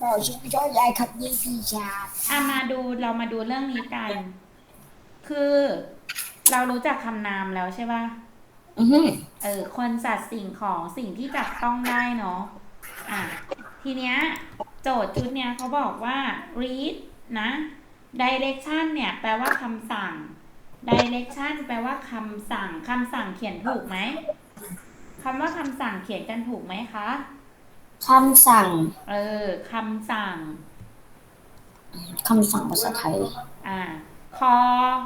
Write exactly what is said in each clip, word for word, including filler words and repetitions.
ก็ชื่อช่อยายครับยี่ปีชาอ่ะมาดูเรามาดูเรื่องนี้กัน คือเรารู้จักคำนามแล้วใช่ป่ะอือฮึเออคนสัตว์สิ่งของสิ่งที่จับต้องได้เนาะอ่ะทีเนี้ยโจทย์ชุดเนี้ยเขาบอกว่า read นะ direction เนี่ยแปลว่าคำสั่ง direction แปลว่าคำสั่งคำสั่งเขียนถูกไหมคำว่าคำสั่งเขียนกันถูกไหมคะคำสั่งเออคำสั่งคำสั่งภาษาไทยอ่าคอ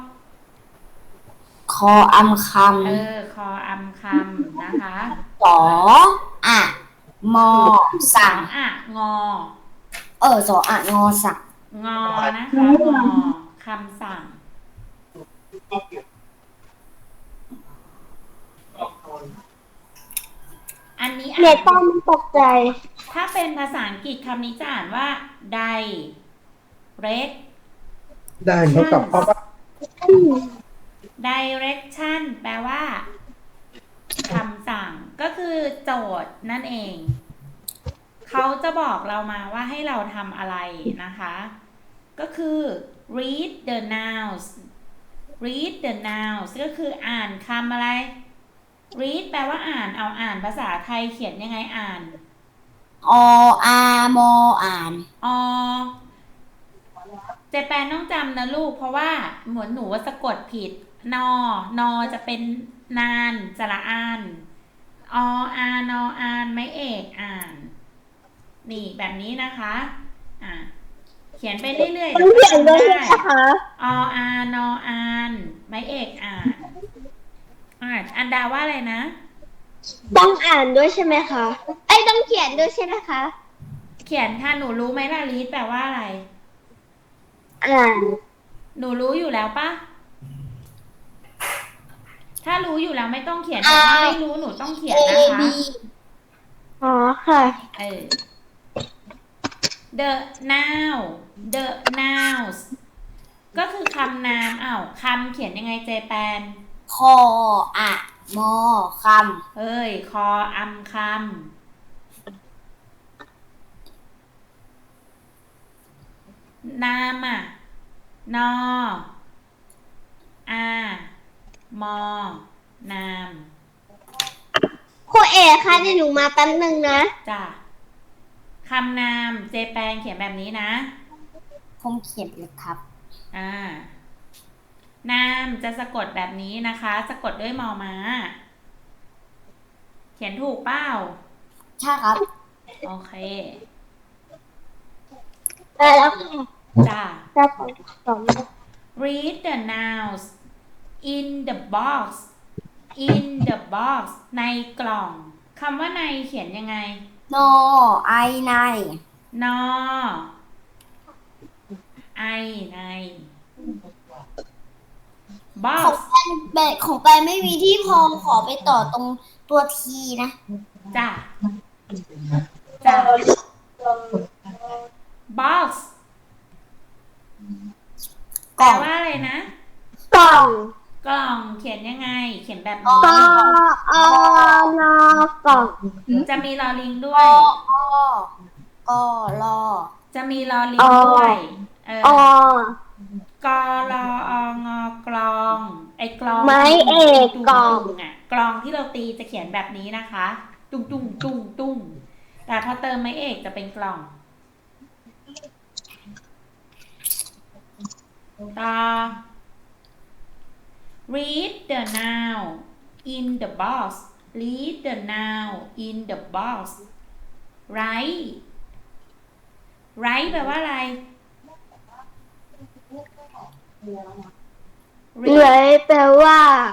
คออำคเออคออำคำนะคะำสออะมอสอสั่งอะงอเออสออะงอสั่งงอนะคะงอคำสั่งอันนี้เน็อ่านตต้องไม่ตกใจถ้าเป็นภาษาอังกฤษคำนี้จะอ่านว่า direct ได้เท่ากับเพราะว่า direction แปลว่าคำสั่งก็คือโจทย์นั่นเองเขาจะบอกเรามาว่าให้เราทำอะไรนะคะก็คือ read the nouns read the nouns ก็คืออ่านคำอะไร read แปลว่าอ่านเอาอ่านภาษาไทยเขียนยังไงอ่านออามออ่านอเจแปนต้องจำนะลูกเพราะว่าเหมือนหนูว่าสะกดผิดนอนอจะเป็นนานสระอานออานออานไม่เอกอ่านนี่แบบนี้นะคะอ่ะเขียนไปเรื่อยๆต้เดี๋องยวก็เขียนด้วจำได้ยนะคะออานออานไม่เอกอ่านอ่ะอันดาว่าอะไรนะต้องอ่านด้วยใช่ไหมคะไอ้ยต้องเขียนด้วยใช่ไหมคะเขียนค่ะหนูรู้ไหมล่ะลีดแปลว่าอะไรอ่านหนูรู้อยู่แล้วปะถ้ารู้อยู่แล้วไม่ต้องเขียนอแต่ถ้าไม่ารู้หนูต้องเขียเอนนะคะบีอ๋อค่ะเออ the noun the nouns ก็คือคำนามอ้าวคำเขียนยังไงเจแปนคออะมอคเอ้ยคออำคำนามอ่ะนออามอนามครูเอกค่ะเดี๋ยวหนูมาแป๊บนึงนะจ้ะคำนามเจแปนเขียนแบบนี้นะผมเขียนเลยครับอ่านามจะสะกดแบบนี้นะคะ สะกดด้วยมอม้า เขียนถูกเปล่าใช่ครับโอเคได้แล้วค่ะจ้าได้สองสอง read the nouns in the box in the box ในกล่องคำว่าในเขียนยังไงนอไอในนอไอในของ box แปนแบบของแปนไม่มีที่พอขอไปต่อตรงตัวทีนะจ้าจ้า box แปลกล่องว่าอะไรนะกล่องกล่องเขียนยังไง เขียนแบบกนี้ออนอกล่องจะมีลอลิงด้กวยออลอจะมีลอลิงด้วยเอออกลอองอกลอง ไอ้กลองไม้เอกตุงกล่องตุงอ่ะกลองที่เราตีจะเขียนแบบนี้นะคะ ตุ้งตุ้งตุ้งตุ้งแต่พอเติมไม้เอกจะเป็นกล่องต่อ read the noun in the box read the noun in the box write write แปลว่าอะไรเลยแปลว่า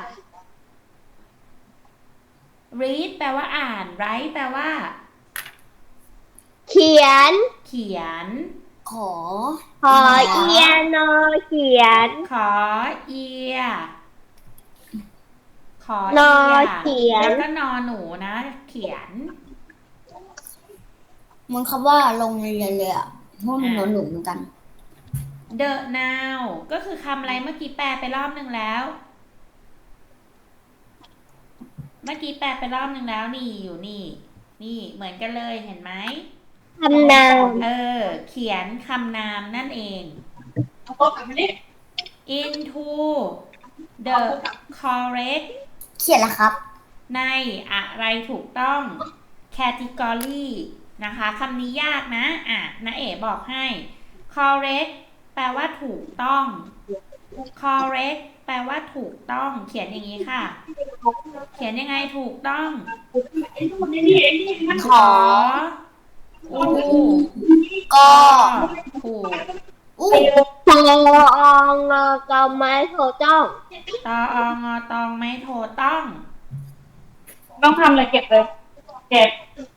read แปลว่าอ่าน write แปลว่าเขียนเขียนขอขอเอียนอเขียนขอเอีย ขอนอเอียเขียนแล้วก็นอหนูนะ เขียนมันคำว่าลงเรียนเลยอ่ะเพราะมันหนูหนูเหมือนกัน the now ก็คือคำอะไรเมื่อกี้แปลไปรอบหนึ่งแล้ว เมื่อกี้แปลไปรอบหนึ่งแล้วนี่อยู่นี่ นี่เหมือนกันเลยเห็นไหมคำนามเออขียนคำนามนั่นเอง into the correct เขียนแล้วครับในอะไรถูกต้อง category นะคะคำนี้ยากนะอ่ะนะเอ๋บอกให้ correct แปลว่าถูกต้อง correct แปลว่าถูกต้องเขียนอย่างนี้ค่ะ เขียนยังไงถูกต้องขออูกอถูกอู้ตองกอไม้โถต้องตอองอตองไม่โทรต้องต้องทำอะไรเก็บเลยเก็บ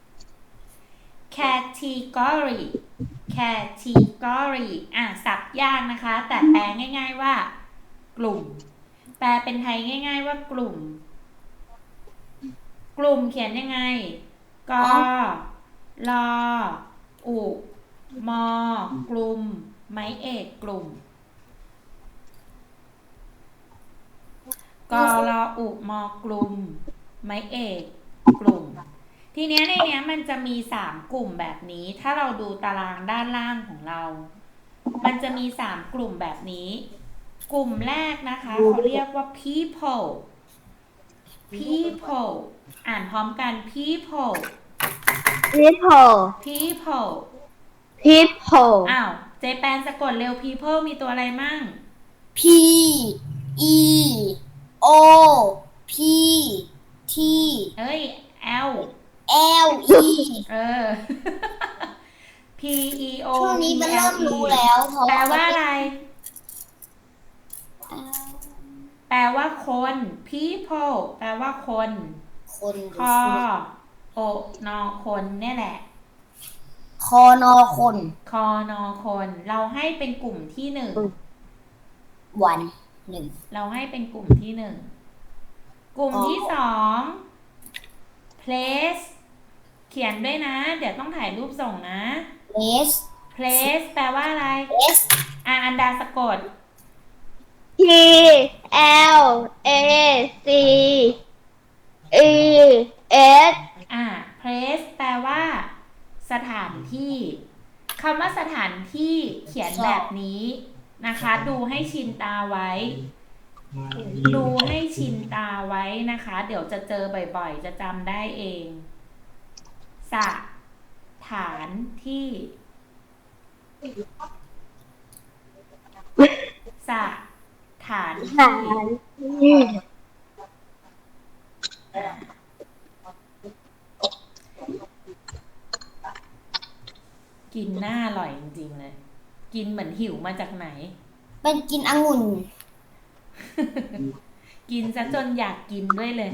category category อ่ะศัพท์ยากนะคะ แต่แปลง่ายๆว่า กลุ่ม แปลเป็นไทยง่ายๆว่ากลุ่ม กลุ่มเขียนยังไงกอลออุมอกลุ่ม ไม้เอกกลุ่มกอลออุมอกลุ่ม ไม้เอกกลุ่ม ทีเนี้ยในเนี้ยมันจะมีสามกลุ่มแบบนี้ ถ้าเราดูตารางด้านล่างของเรา มันจะมีสามกลุ่มแบบนี้ กลุ่มแรกนะคะเขาเรียกว่า people people อ่านพร้อมกัน people people people people อ้าวเจแปนสะกดเร็ว people มีตัวอะไรมั่ง P E O P T เอ้ย L L E เออ P E O ช่วง P นี้มันเริ่ L ม E รู้แล้วเพราะแปลว่าว่าอะไร แปลว่าคน people แปลว่าคนคนคอโอนอคนเนี่ยแหละคอนอคนคอนอคน เราให้เป็นกลุ่มที่หนึ่งวันหนึ่งเราให้เป็นกลุ่มที่หนึ่ง กลุ่มอ๋อที่สอง place เขียนด้วยนะ เดี๋ยวต้องถ่ายรูปส่งนะ S place แปลว่าอะไร S อ่ะอันดาสะกด T L A C E S อ่ะ place แปลว่า สถานที่คำว่าสถานที่เขียนแบบนี้นะคะ ดูให้ชินตาไว้ ดูให้ชินตาไว้นะคะ เดี๋ยวจะเจอบ่อยๆ จะจำได้เอง สถานที่ สถานหาที่นกินหน้าอร่อยจริงๆเลย กินเหมือนหิวมาจากไหนเป็นกินองุ่นกินซะจนอยากกินด้วยเลย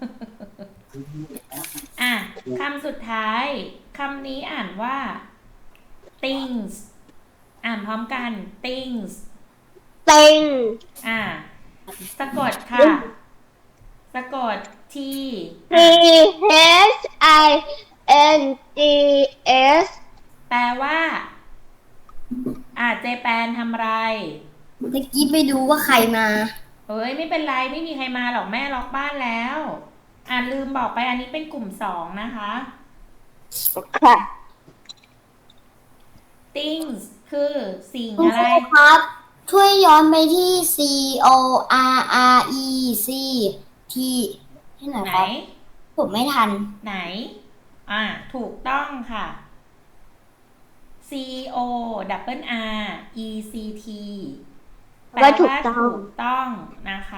อ่ะคำสุดท้าย คำนี้อ่านว่า things อ่านพร้อมกัน things ติงอ่ะสะกดค่ะ สะกด t T H I N G S แปลว่า อ่ะเจแปนทำไรเมื่อกี้ไปดูว่าใครมาเฮ้ยไม่เป็นไรไม่มีใครมาหรอกแม่ล็อกบ้านแล้ว อ่ะลืมบอกไปอันนี้เป็นกลุ่มสองนะคะค่ะ things คือสิ่งคุณอะคไรรูครับ ช่วยย้อนไปที่ C O R R E C T ที่ไหนไหนครับ ผมไม่ทันไหน อ่ะถูกต้องค่ะ C O double R E C T แปลว่าถูกว่าต้องถูกต้องนะคะ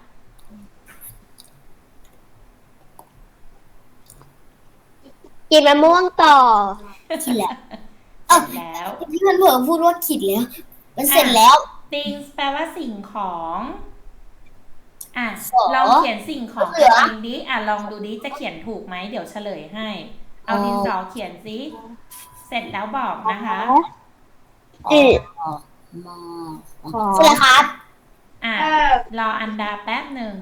กินมะม่วงต่อที่แล้วเสร็จแล้วที่มันเผลอพูดว่าขิดแล้ว มันเสร็จแล้ว things แปลว่าสิ่งของ อ่ะสอลองเขียนสิ่งของเหลืเอองดิ อ่ะลองดูดิ จะเขียนถูกไหม เดี๋ยวเฉลยให้ เอาดินสอเขียนสิ เสร็จแล้วบอกนะคะออกมอขอเสร็จแล้วครับอ่ะ รออันดาแป๊บหนึ่ง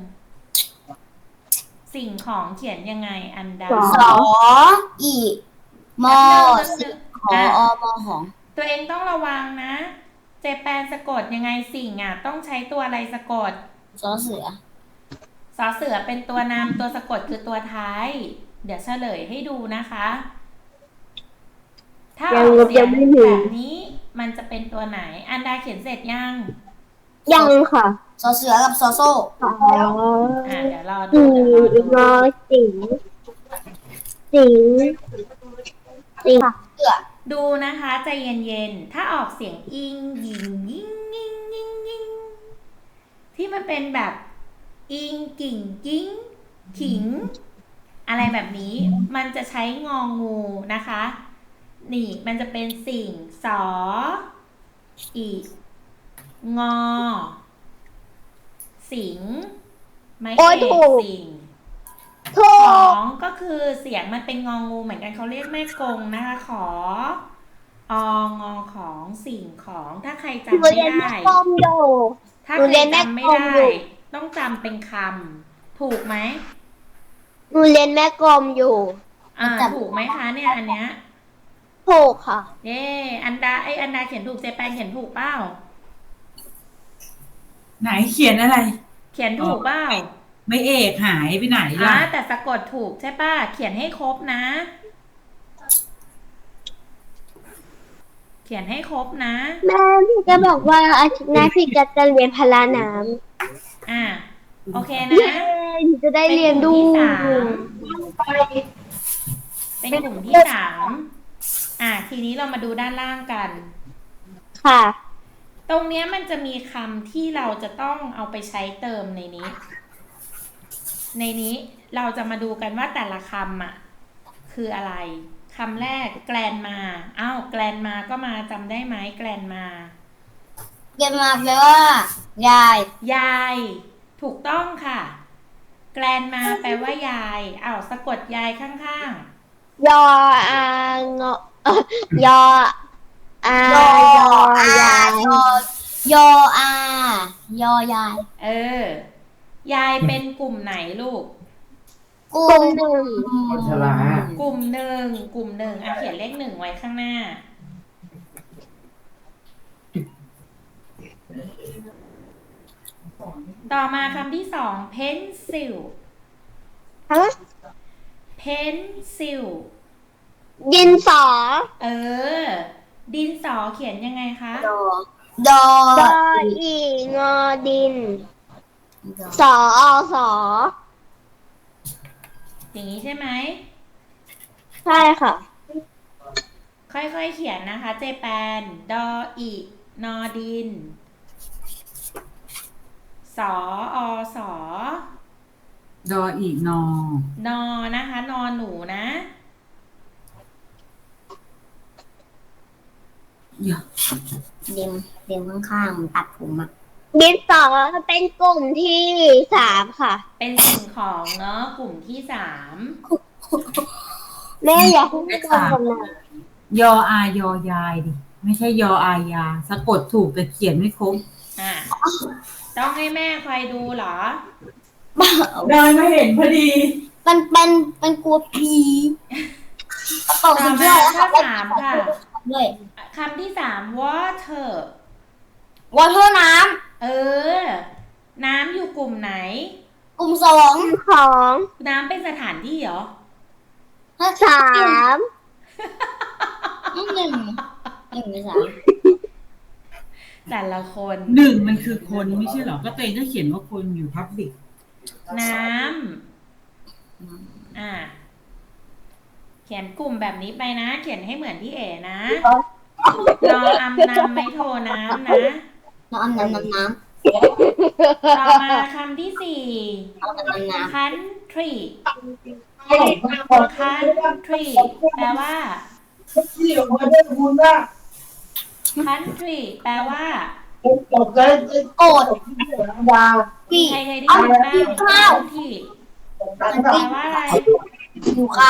สิ่งของเขียนยังไงอันดาสออีมอแป๊บหสินึ่งขอแป๊บหนึ่งออ่ะมอของตัวเองต้องระวังนะ เจแปนสะกดยังไงสิ่งอ่ะ ต้องใช้ตัวอะไรสะกดสอเสือสอเสือเป็นตัวนำตัวสะกดคือตัวท้าย เดี๋ยวเฉลยให้ดูนะคะ ถ้าออกเสียงแบบนี้มันจะเป็นตัวไหน อันดาเขียนเสร็จยังยังค่ะสอเสือกับสอโซ่อ๋ออ่าเดี๋ยวรออืดูเดี๋ยวรอดูมอสิงสิงสิงเสือดูนะคะใจเย็นๆ ถ้าออกเสียงอิงยิงยิงยิงยิงยิงที่มันเป็นแบบอิงกิ่งกิ้งขิง อะไรแบบนี้ มันจะใช้งองูนะคะ นี่มันจะเป็นสิ่งสออีงอ สิง ไม่โอ้ยเอถูกกสิ่งถูขอก งก็คือเสียงมันเป็นงองูเหมือนกันเขาเรียกแม่กงนะคะ ขอองอของสิ่งของถ้าใครหนูจำไม่เรียนได้แม่กลมอยู่ถ้าหนูใคเรีรยนแม่จำไม่กลมได้อยู่ต้องจำเป็นคำถูกไหมหนูเรียนแม่กลมอยู่อ่าถูกไหมคะเนี่ยอันเนี้ยถูกค่ะเย่อันดาไออันดาเขียนถูกเจแปนเขียนถูกเปล่าไหนเขียนอะไรเขียนถูกเปล่าไม่เอกหายไปไหนอ่าล่ะแต่สะกดถูกใช่ป่ะเขียนให้ครบนะ เขียนให้ครบนะแม่พี่จะบอกว่าอาทิตย์หน้าพี่จะจะเรียนพละน้อ่าโอเคำนะเย้หนูจะได้เรียนดูเป็นกลุ่มที่สามอ่ะทีนี้เรามาดูด้านล่างกันค่ะตรงเนี้ยมันจะมีคำที่เราจะต้องเอาไปใช้เติมในนี้ ในนี้เราจะมาดูกันว่าแต่ละคำอ่ะ คืออะไรคำแรกแกลนมาอ้าวแกลนมาก็มาจำได้ไหมแกลนมาเก็บมาแปลว่ายายยายถูกต้องค่ะ แกลนมาแปลว่ายายอ้าวสะกดยายข้างยออางอเอ่อยออายอยออายายยอยออายอยายๆเออยายเป็นกลุ่มไหนลูกกุกลุ่มมหนึ่งคนชรากลุ่มหนึ่งกลุ่มหนึ่งอ่ะเขียนเลขหนึ่งไว้ข้างหน้า ต่อมาคำที่สอง pencil ฮะ pencil ดินสอเออ ดินสอเขียนยังไงคะดอดอดออีงอดิน สออสออย่างนี้ใช่ไหมใช่ค่ะค่อยๆเขียนนะคะ เจแปนดออีนอดิน สออสอดออีกนอนอนะคะ นอหนูนะอย่าเด็มเด็มข้างๆมันตัดผมอ่ะดินสอเป็นกลุ่มที่สามค่ะเป็นสิ่งของเนาะกลุ่มที่สามแม่อยากให้พี่ทำคนนั้นยออายอยายดิ ไม่ใช่ยออายา สะกดถูกแต่เขียนไม่ครบอ่ะต้องให้แม่คอยดูเหรอเดินมาเห็นพอดีมันเป็นเป็นกลัวผีกระเป๋าต่อสีมาเขียวข้อสามค่ะด้วยคำที่สาม water วอเตอร์น้เออ น้ำอยู่กลุ่มไหนำกลุ่มสองของน้ำเป็นสถานที่เหรอสามหนึ่งหนึ่งหรือสามแต่ละคนหนึ่งมันคือคนไม่ใช่เหรอ ก็เตยก็เขียนว่าคนอยู่พับบิกน้ำอ่ะเขียนกลุ่มแบบนี้ไปนะ เขียนให้เหมือนที่เอ๋นะรออำนำไม่โทรน้ำนะน้ำน้ำน้ำน้ต่อมาคำที่สี่ำน้ำน้ำน้ country country แปลว่า country แปลว่าำโกรธพี่ใครเคยได้ยินบ้างข้าว country แปลว่าอะไรอยู่ข้าว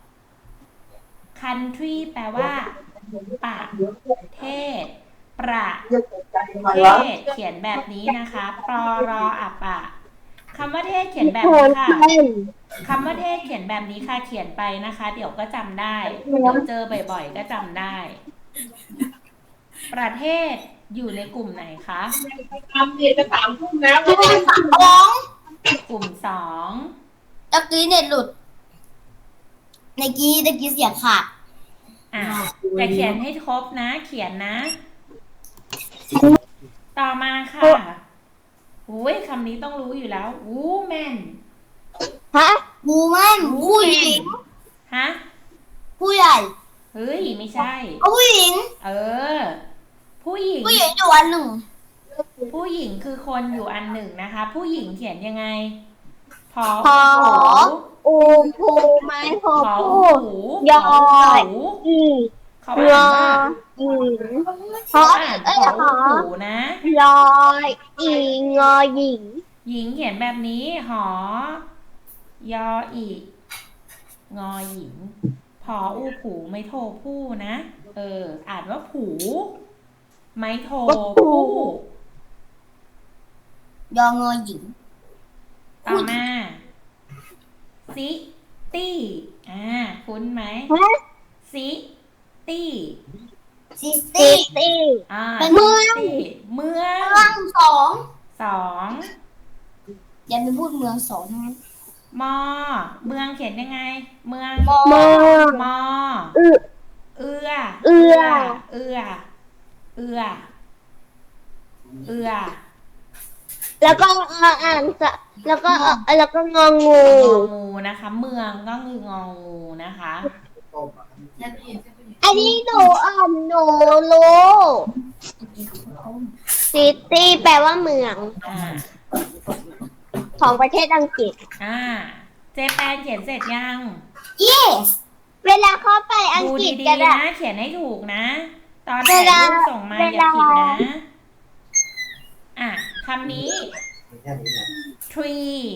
country แปลว่าประเทศ ประเทศ เขียนแบบนี้นะคะปรอรออับอะคำว่าเทศเขียนแบบโทนี้นค่ะเส้นคำว่าเทศเขียนแบบนี้ค่ะ เขียนไปนะคะ เดี๋ยวก็จำได้ เดี๋ยวเจอบ่อยๆ ก็จำได้ ประเทศอยู่ในกลุ่มไหนคะทำเนี่ยจะสามทุ่มแล้วที่เป็นสามร้องกลุ่มสองตะกี้เน็ตหลุดในกี้ตะกี้เสียงขาดอ่ะแต่เขียนให้ครบนะ เขียนนะต่อมาค่ะอุ้ยคำนี้ต้องรู้อยู่แล้ว woman ฮะบูแมนผู้หญิงฮะผู้ใหญ่เฮ้ย ไม่ใช่เอาผู้หญิงเออ ผู้หญิงผู้หญิงอยู่อันหนึ่งผู้หญิงคือคนอยู่อันหนึ่งนะคะ ผู้หญิงเขียนยังไง พอพอหูอูภูไม้พอพอพูหูยอหูอีเขายอ่าอนว่าอีพอเขาอ่านเอ้ยพอหอหูนะยอยอีงอหญิงหญิงเขียนแบบนี้ หอ ยออีก งอหญิง พออูผูไม่โทผู้นะ เออ อ่านว่าผู ไม่โทผู้ยองอหญิงต่อมาซิตี้ อ่า คุ้นไหมฮะซิตี้ซิซิตี้ตี้อ่าเป็นเมืองซิตี้เมืองเมืองสองสองอย่าไปพูดเมืองสองทั้งนั้นมอ เมืองเขียนยังไง เมืองมอเมืองมออึเอือเอื้อเอือ เอือ เอือแล้วก็อ่านจะแล้วก็แล้วก็งองูงองูนะคะ เมืองก็คืององูนะคะอันนี้หนูอ่านหนูรู้ซิตี้แปลว่าเมืองอ่าของประเทศอังกฤษอ่า เจแปนเขียนเสร็จยัง yes เวลาเข้าไปอังดูกฤษดีกันๆอะนะ เขียนให้ถูกนะ ตอนเวถ่ายลารูปส่งมาเวอย่าลาผิดนะ อ่ะคำนี้ tree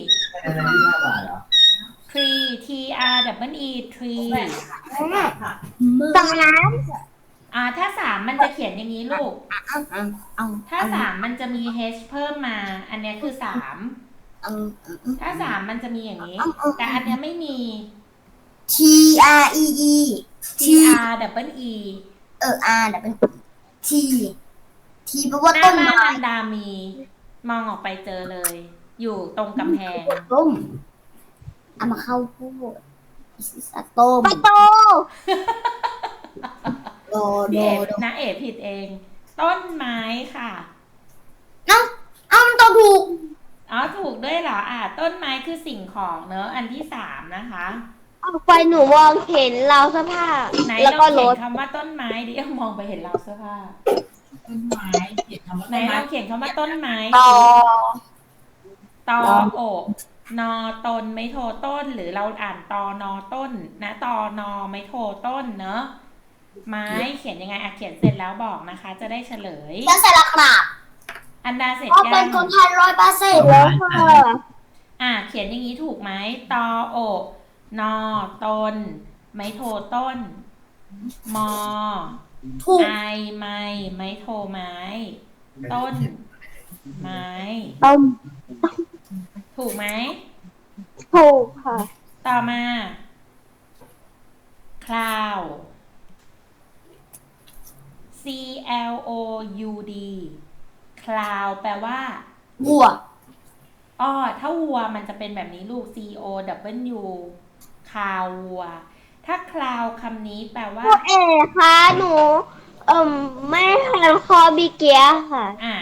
tree t r w e tree ตรงนั้นอ่า ถ้าสามมันจะเขียนอย่างนี้ลูกเอาเอาเอาถ้าสามมันจะมี h เพิ่มมา อันเนี้ยคือสามเอาถ้าสามมันจะมีอย่างนี้ แต่อันเนี้ยไม่มี T R E E t T r w e เออ R แต่เป็น T T แปลว่าหน้าต้นบ้านไม้อันดามี มองออกไปเจอเลย อยู่ตรงกำแพงต้มเอามาเข้าพูดสต้มประตูโดโดพี่เอ๋โดนะเอ๋ผิดเอง ต้นไม้ค่ะเอ้าเอ้ามันตอบถูกอ๋อ ถูกด้วยเหรอ อ่าต้นไม้คือสิ่งของเนอะอันที่สามนะคะออกไปหนูมองเห็นราวเสื้อผ้าไหนแล้วลก็องรเขียถนคำว่าต้นไม้ดิเอามองไปเห็นเราเสื้อผ้าต้นไม้เขียนคำว่าไหนต้นลไม้องเขียนคำว่าต้นไม้ต่อตออกนอตนไม่โทต้น หรือเราอ่านตอนอต้น นะตอนอไม่โทต้นเนอะไม้เขียนยังไงอ่ะเขียนเสร็จแล้วบอกนะคะ จะได้เฉลยฉันใส่ละครับอันดาเสร็จเพราะยัเป็นงคนไทยร้อยเปอร์เซ็นต์แล้วค่ะอ่ะเขียนอย่างนี้ถูกไหมตอโอกนอตน ไม่โทต้น มอถูกไอไม้ไม้โทไม้ ต้น ไม้ต้มถูกไหมถูกค่ะต่อมา cloud c l o u d cloud แปลว่าวัวอ้อถ้าวัวมันจะเป็นแบบนี้ลูก c o w คาววัว ถ้าคลาวคำนี้แปลว่าพ่อเอ๋คะหนูเอ่มไม่ทันคอบิเกียค่ะอ่า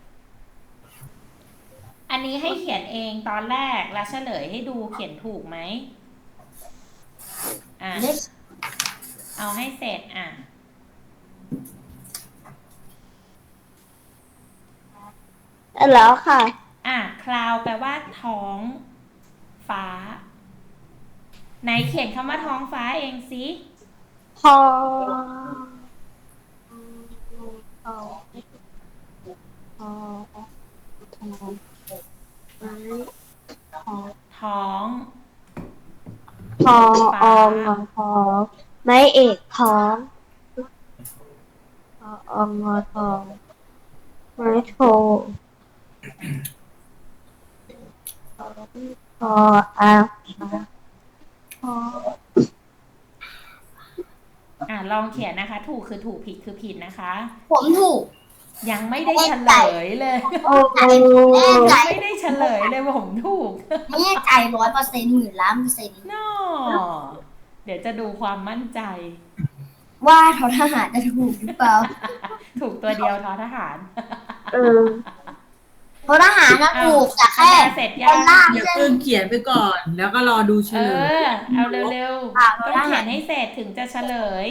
อันนี้ให้เขียนเองตอนแรกแล้วเฉลยให้ดูเขียนถูกไหม อ่า เอาให้เสร็จอ่ะแล้วค่ะอ่ะคลาวแปลว่าท้องฟ้า ไหนเขียนคำว่าท้องฟ้าเองสิพอพอพอพอท้องพออองอพอไม่เอกท้องพออองอทองไม่โทพออาพออ่ะลองเขียนนะคะ ถูกคือถูกผิดคือผิดนะคะผมถูกยังไม่ได้เฉลยเลยโอ้แน่ใจไม่ได้เฉลยเลยผมถูกแน่ใจร้อยเปอร์เซ็นต์หมื่นล้านเปอร์เซ็นต์นอเดี๋ยวจะดูความมั่นใจว่าทอทหารจะถูกหรือเปล่าถถูกตัวเดียวทอทหารเออเพราะทหารนะถูกแต่แค่อันดาเสร็จยัเป็นงล่างอย่าเส้นเพิ่งเขียนไปก่อน แล้วก็รอดูเฉเอลยอ เอาเร็วอ่ะๆ ต้องเขียนให้เสร็จถึงจะเฉลย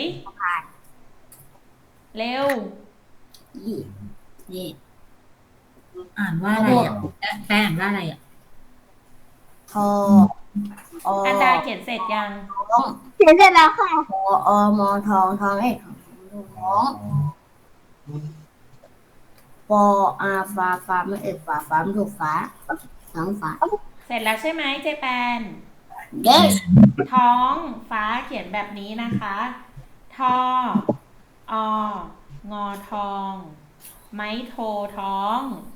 เร็วนี่นี่อ่านว่าอะไรอ่ะแป้งอ่านว่าอะไรอ่ะทอออันดาเขียนเสร็จยังท้องเขียนเสร็จแล้วค่ะทออมอทองทองเอกท้องปออาฟ้าฟ้าไม่เอกฟ้าฟ้าไม่ถูกฟ้าท้องฟ้าเสร็จแล้วใช่ไหมเจแปน yes ท้องฟ้าเขียนแบบนี้นะคะ ทอ อ งอทอง ไม้โทท้อง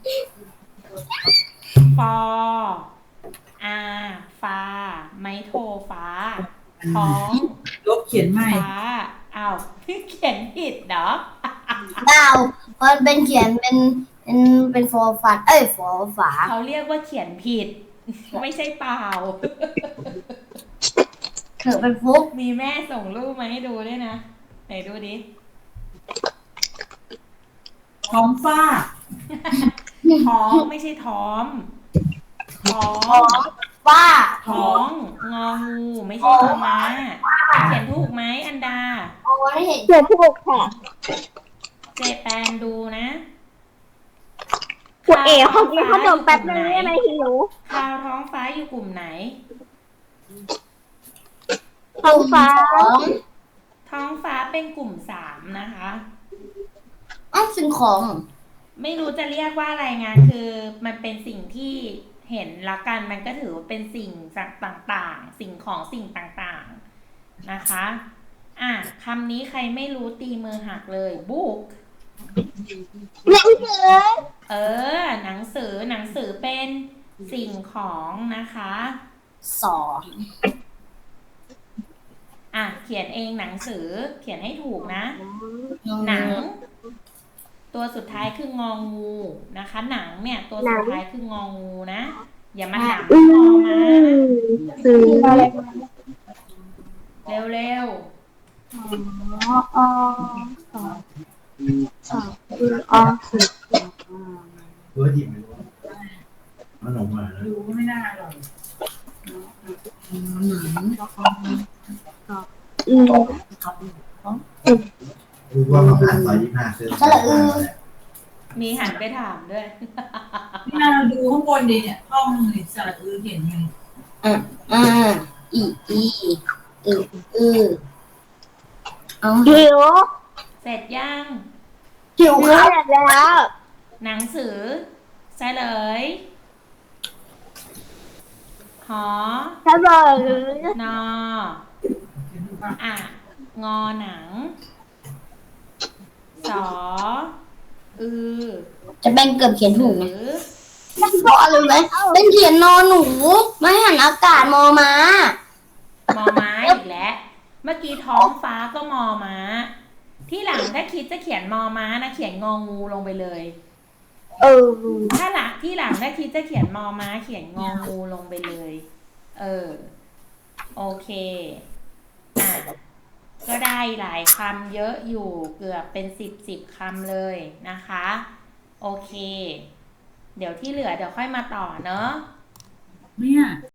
ฟอ อา ฟ้า ไม้โทฟ้า ท้องลบเขียนใหม่ฟ้าอ้าว เขียนผิดเหรอดาวมันเป็นเขียนเป็นเป็นเป็นฟอฟันเอ้ยฟอฝาเขาเรียกว่าเขียนผิด ไม่ใช่เปล่าเถือเป็นฟุกมีแม่ส่งรูปมาให้ดูด้วยนะ ไหนดูดิท้องฟ้าท้องไม่ใช่ท้อม ท้องว่าท้อง งองูไม่ใช่งอม้า เขียนถูกไหมอันดาโอ้ยเห็นเขียนถูกค่ะเจแปนดูนะคุณเอ๋ขอกินขนมแป๊บนึงได้ไหมหิวข่าวท้องฟ้าอยู่กลุ่มไหนท้องฟ้าของท้องฟ้าเป็นกลุ่มสามนะคะอ้าวสิ่งของไม่รู้จะเรียกว่าอะไรงานคือมันเป็นสิ่งที่เห็นละกันมันก็ถือว่าเป็นสิ่งต่างๆ สิ่งของสิ่งต่างๆนะคะ อ่ะคำนี้ใครไม่รู้ตีมือหักเลย book หนังสือเออ หนังสือหนังสือเป็นสิ่งของนะคะสองอ่ะเขียนเองหนังสือเขียนให้ถูกนะ หนัง ตัวสุดท้ายคืององูนะคะ หนังเนี่ยตัวสุดท้ายคืององูนะ อย่ามาถามอืงอมามซื้ออะไรเร็วเร็วอ๋อสองสองคืออ๋อสิบเบอร์หยิบไม่รู้มันออกมาแล้วดูก็ไม่น่าหรอกอืมรู้ว่ามาผ่านซอยยี่สิบห้าเส้นๆมีหันไปถามด้วยนี่เราดูข้างบนดิเนี่ยห้องนี่สระอือเห็นไงอ่าอ่าอีอีอืออือเอาหิวเสร็จยังหิวหิคว รับเสร็จแล้วหนังสือเฉลย หอถ้าบอกหรือนอ อ่ะ งอหนัง สอ อือจะเป็นเกือบเขียนถูกไหมหรือไม่บอกเลยไหมเป็นเขียนนอนหนูไม่หันอากาศมอมามอม้าอีกแล้ว เมื่อกี้ท้องฟ้าก็มอม้า ที่หลังถ้าคิดจะเขียนมอม้านะเขียนงองูลงไปเลยเออถ้าหลังที่หลังถ้าคิดจะเขียนมอม้า เขียนงองูลงไปเลย เออ โอเค อ่ะ ก็ได้หลายคำเยอะอยู่เกือบเป็นสิบสิบคำเลยนะคะ โอเค เดี๋ยวที่เหลือเดี๋ยวค่อยมาต่อเนอะเนี่ย